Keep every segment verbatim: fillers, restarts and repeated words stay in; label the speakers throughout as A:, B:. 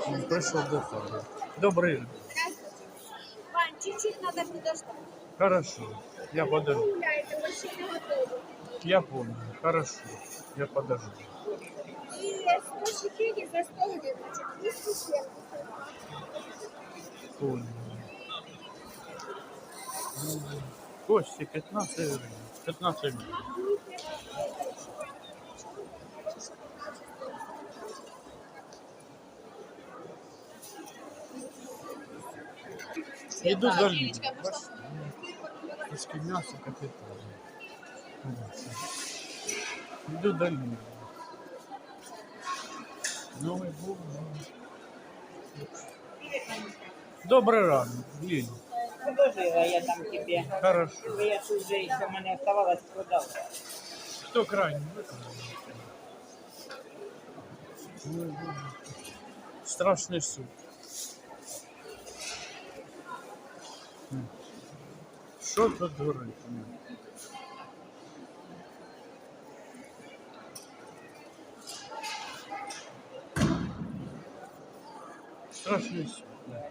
A: Он пришел до того. Добрый.
B: Вань, чуть-чуть надо подождать.
A: Хорошо. Я подожду.
B: Гуляйте, вообще не готово.
A: Я понял. Хорошо. Я подожду.
B: И сто четыре за сто гривен, значит, двести семьдесят.
A: Понял. Кости пятнадцать гривен. пятнадцать гривен. Иду за ним. Куски мяса капитально. Иду до ним. Новый год. Добрый ранок, Лиль.
C: Положила я там тебе.
A: Хорошо.
C: Я тут же еще мне оставалось продал.
A: Кто крайний? Страшный суд. Что тут говорить? Страшный суд. Да.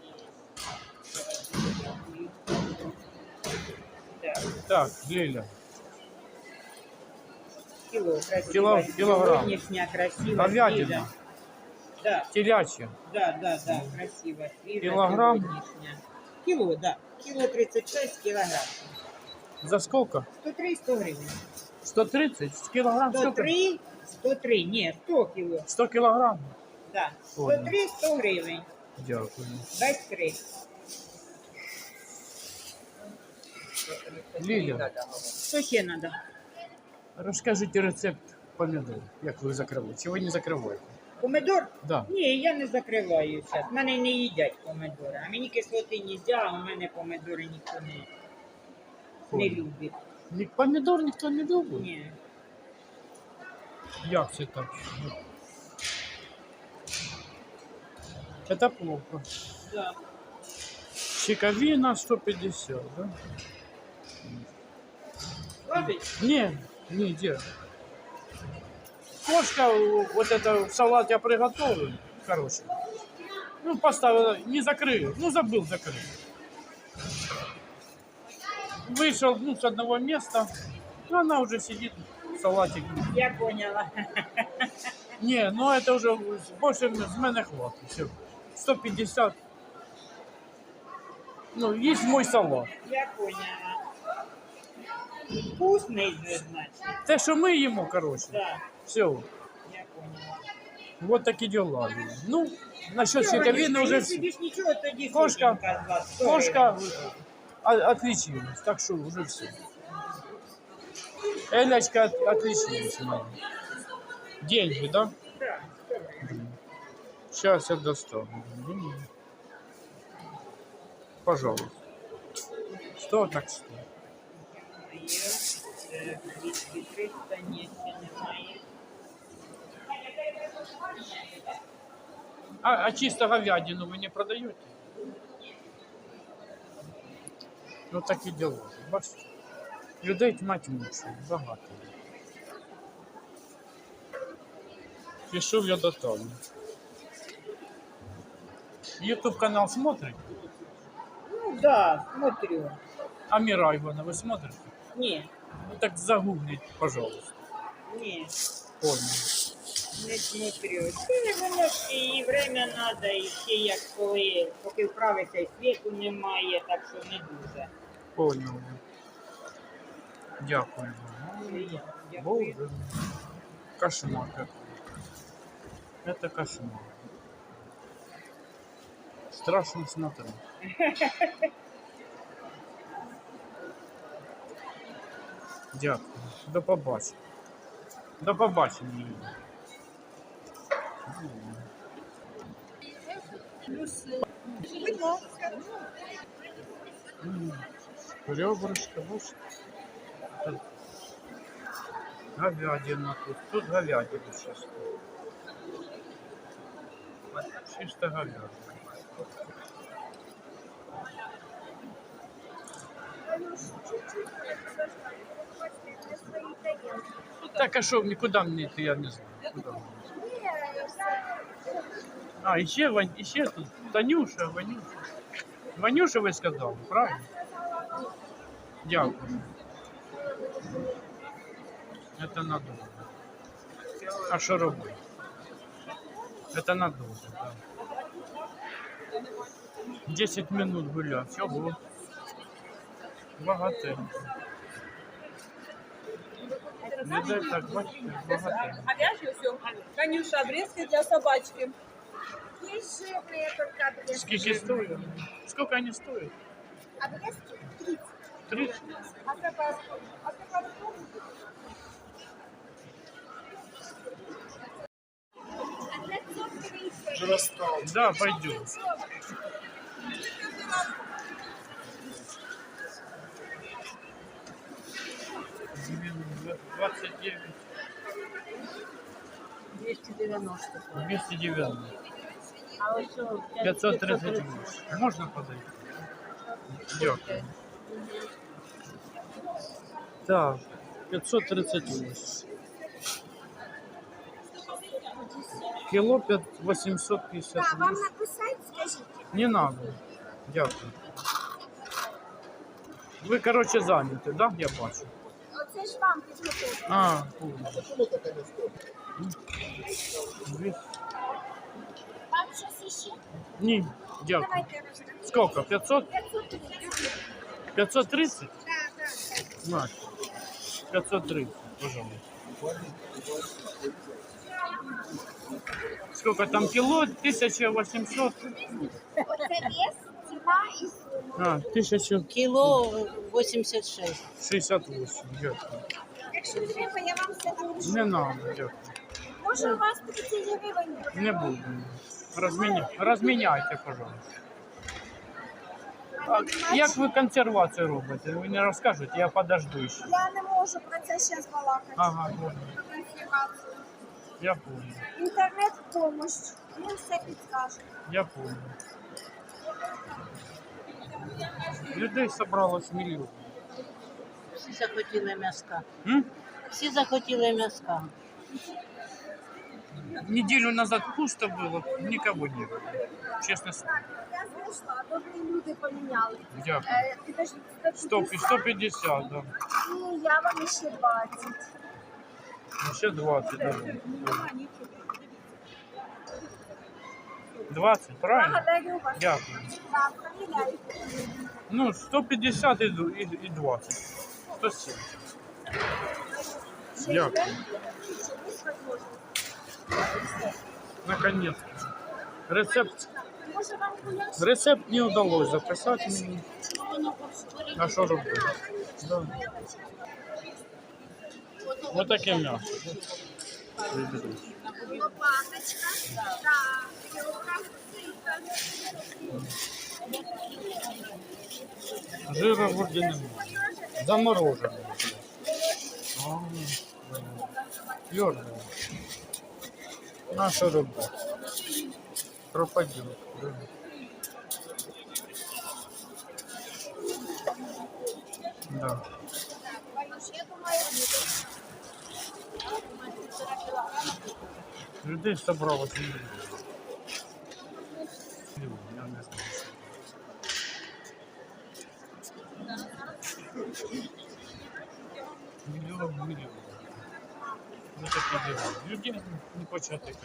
A: Так, Лиля.
C: Кило, красиво.
A: Кило, килограмм.
C: Сегодняшняя красивая.
A: Говядина.
C: свежая. Да,
A: Телячья.
C: да, да, да, красиво. Свежая,
A: Килограмм?
C: сегодняшняя. Кило, да. Кило тридцать шесть килограмм.
A: За сколько?
C: сто три сто гривен.
A: сто тридцать килограмм?
C: сто три сто три, не, сто кило.
A: сто килограмм?
C: Да.
A: Понял.
C: сто три сто гривень.
A: Дякую.
C: Без три.
A: Лиля,
C: Що ще надо?
A: розкажіть рецепт помідор, як ви закриваєте. Чи ви не закриваєте?
C: Помидор?
A: Да.
C: Ні, я не закриваю зараз. Мене не їдять помидори. А мені кислоти не можна, а у мене помидори ніхто не, не
A: Понял.
C: любить.
A: Ні- Помідор ніхто не любить?
C: Ні.
A: Як це так? Это плохо.
C: Да.
A: Чековина сто пятьдесят, да?
C: Ложить?
A: Не, не, где? Кошка, вот это в салат я приготовлю, короче. Ну, поставила, не закрыл, ну, забыл закрыть. Вышел, ну, с одного места, ну, она уже сидит, салатик.
C: Я поняла.
A: Не, ну, это уже больше с мене хватит, все. сто пятьдесят. Ну, есть мой салат.
C: Я поняла. Вкусний же, значить.
A: Те, що ми їмо, короче.
C: Да,
A: Все.
C: я поняла.
A: Вот такі дела. Ну, насчет чековины уже
C: Якщо
A: все.
C: більш нічого, тоді
A: Кошка,
C: сотенька з вас. сто
A: Кошка
C: гривень.
A: о- отличилась, так что уже все. Элечка от- отличилась. наверное. Деньги, да?
C: Да, сто гривень.
A: Сейчас я достану. Пожалуйста. Сто так сто.
C: Є, двісті триста, ні, ще немає.
A: А, а чисто говядину вы не продаете? Ну такі дела. Бачите? Людей тьмать мучить, багато. Пішов я до Тані. Ютуб канал смотрите?
C: Ну да, смотрю.
A: А Мира Ивана вы смотрите?
C: Ні,
A: Ну так загуглите, пожалуйста.
C: ні,
A: Понял.
C: не смотрю. Це воно ж і время треба, і ще як коли, поки вправиться, і світу немає, так що не дуже.
A: Понял. Дякую.
C: Дякую.
A: Боже. Кошмар какой. Это кошмар. Страшно смотреть. Дякую. До побачення. До побачення. М, Ребрышко, вот. Говядина тут. Тут говядина сейчас. Чисто говядина. Так, а что, никуда мне это я не знаю. Куда мне? А, еще, Вань, еще тут Танюша, Ванюша. Ванюша вы сказали, правильно? Дякую. Это надолго. А что робити? Это надолго, да. десять минут гулять. Всього. Багатенько. Не дай так, бачите, багатенько.
D: Говяжье все. Танюша, обрезки для собачки.
B: Есть жирные только обрезки.
A: Сколько стоит? Сколько они стоят?
B: Обрезки тридцать.
A: тридцать?
B: А какая а какая
A: Да, пойдем. двадцать девять.
D: двести девяносто.
A: двести девяносто.
D: А вот что?
A: пятьсот тридцать восемь. Можно подойти? Дякую. Так, пятьсот тридцать восемь. Кило восемьсот пятьдесят
B: Да, вам
A: восемь.
B: написать, скажите.
A: Не надо. Дякую. Ви, короче, зайняті, да? Я бачу.
B: Оце ж вам підготовка.
A: А, понял. Дві-
B: Вам щось іще?
A: Ні, дякую.
B: Давайте розглянемо.
A: Сколько? пятьсот?
B: пятьсот тридцать.
A: пятьсот тридцать?
B: Да, да.
A: На. пятьсот тридцать, пожалуйста. Сколько там кило? тысяча восемьсот.
B: Оце вес, ціна і сума.
A: А, тысяча
D: Кило восемьдесят шесть.
A: шестьдесят восемь. Дякую.
B: Якщо треба, я вам все напишу.
A: Не надо, дякую.
B: Може, у вас тридцять гривень буде?
A: Не буду. Разменя... Разменяйте, пожалуйста. А як ви консервацію робите? Ви не розкажете, я подожду ще.
B: Я не можу про це зараз балакати.
A: Ага, понял.
B: Про інформацію.
A: Я понял.
B: Інтернет в помощь. Він все підскаже.
A: Я понял. Людей собралось мільйон.
D: Всі захотіли м'яска.
A: М?
D: Всі захотіли м'яска.
A: Неделю назад пусто было, никого не было. Честно слово.
B: Так, я знайшла. Добрі люди поміняли.
A: Дякую.
B: Е, підождіть,
A: сто, сто пятьдесят, да.
B: І я вам ще двадцять.
A: Еще двадцать, да. двадцать, правильно?
B: Благодарю вас.
A: Дякую.
B: Так, поміняйте.
A: Ну, сто пятьдесят и, д- и, и двадцать. сто семьдесят.
B: Ще
A: Дякую.
B: йде? Ще є можливість?
A: Наконец-то. Рецепт,
B: Може, вам гуляш?
A: рецепт не удалось записать мне. А что робити? Да. Вот такие мясо.
B: Лопаточка. Так, кілограм сита.
A: Жира вроде немає. Замороженный. Твердый. На что робити? Пропадет. Да. Да.
B: Валюш, я думаю,
A: Людей собралось миллион. Миллион, я не знаю. Миллион, миллион. Ну такі діла. Людей не почати.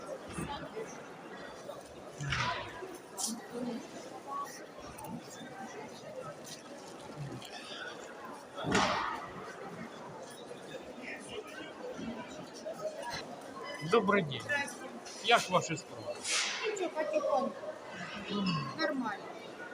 A: Добрый день. Як ваші справи?
B: нічого потихоньку. Нормально.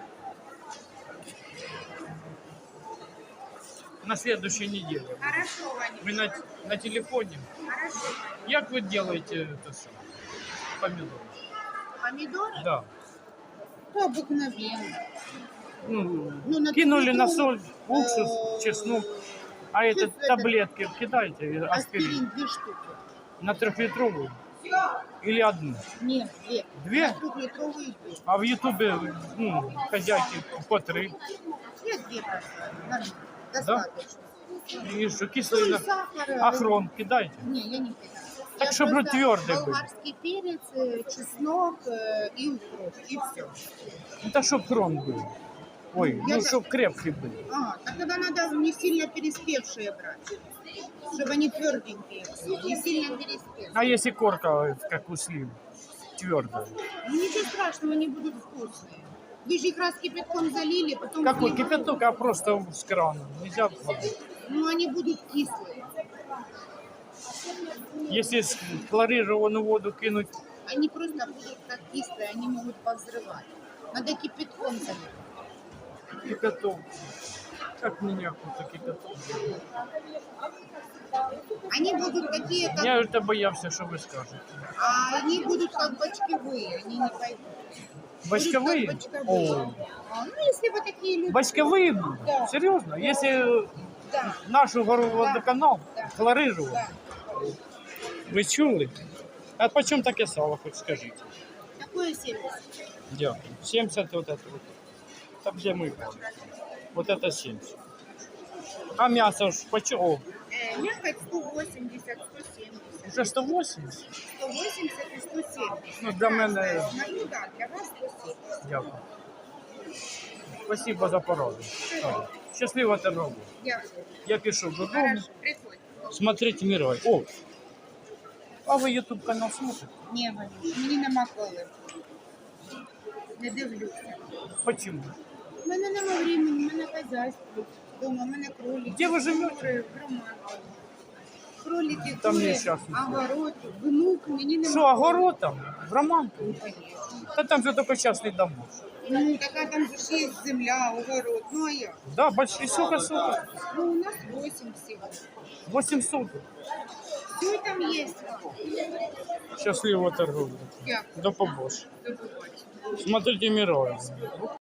A: На следующей неделе.
B: Хорошо, Ваня,
A: Вы на, на телефоне.
B: хорошо.
A: Як вы делаете это все? Помидоры.
E: Помидоры?
A: Да.
E: То обыкновенно.
A: Ну,
E: Ну, на
A: кинули на
E: трехлитровую,
A: соль, уксус,
E: э,
A: чеснок. А это
E: чувствуете?
A: таблетки кидайте, и аспирин.
E: Аспирин две штуки.
A: На трехлитровую или одну?
E: Нет, две.
A: Две?
E: На трехлитровые две.
A: А в Ютубе, ну, хозяйки по три.
E: Я две просто. Нормально. Достаточно.
A: И что,
E: Ну,
A: кислый
E: и
A: на-
E: сахар. э,
A: ахрон кидайте.
E: Не, я не кидаю.
A: Так,
E: Я
A: чтобы
E: просто
A: твердый был.
E: болгарский перец, э, чеснок э, и укроп, и все.
A: Это чтоб хрон был. Ой,
E: Я
A: ну
E: за-
A: чтоб крепкий был.
E: А, так тогда надо не сильно переспевшие брать, чтобы они тверденькие были, не сильно переспевшие.
A: А если корка, как у слив, твердая?
E: Ну, ничего страшного, они будут вкусные. Вы же их раз кипятком залили, потом...
A: Какой
E: сливали.
A: кипяток, а просто с крана. Нельзя воды.
E: Ну, они будут кислые.
A: Если с- хлорированную воду кинуть,
E: Они просто будут как кислые, они могут повзрывать. Надо кипятком залить.
A: кипяток. Как меня кто-то кипяток.
E: Они будут такие, как...
A: Я это боялся, что вы скажете.
E: А они будут как бочковые, они не пойдут.
A: Бочковые?
E: Будут как бочковые.
A: О,
E: А, ну, если вы такие люди...
A: бочковые будут?
E: Да.
A: Серьезно? Если
E: Да,
A: нашу гору водоканал
E: Да.
A: хлорировал,
E: да.
A: ви чули? А почем таке сало, хоть скажите?
E: Такое семьдесят.
A: Дякую. семьдесят вот это вот. Там где мы. Вот это семьдесят. А мясо ж почем? О,
E: Э, мякоть сто восемьдесят, сто семьдесят.
A: уже сто восемьдесят?
E: сто восемьдесят и сто семьдесят.
A: Ну, для мене...
E: Ну, да, для вас сто семьдесят.
A: Дякую. Спасибо за пораду. Щасливо торговлі.
E: Дякую.
A: Я пишу додому.
E: Хорошо, приходь.
A: Смотрите Мировой. О, а ви ютуб канал смотрите?
E: Ні, Валюш, мені нема коли. Не дивлюся.
A: Почему?
E: У мене нема времени, у мене хазяйство. Дома, у мене кролики.
A: Де ви живете?
E: кури, громади. Кролики,
A: Там
E: кури,
A: нещасний.
E: огород, внук, мені нема.
A: Що, огород там? В Романку?
E: Ну, конечно.
A: Та там же только частный дом.
E: Ну, така там же ж є земля, огород. Ну, а як?
A: Да, большой, сколько соток?
E: Ну, у нас восемь всего.
A: восемь соток.
E: Все там есть.
A: Щасливо торговлі.
E: Дякую.
A: До побачення.
E: До побачення.
A: Смотрите Мировой.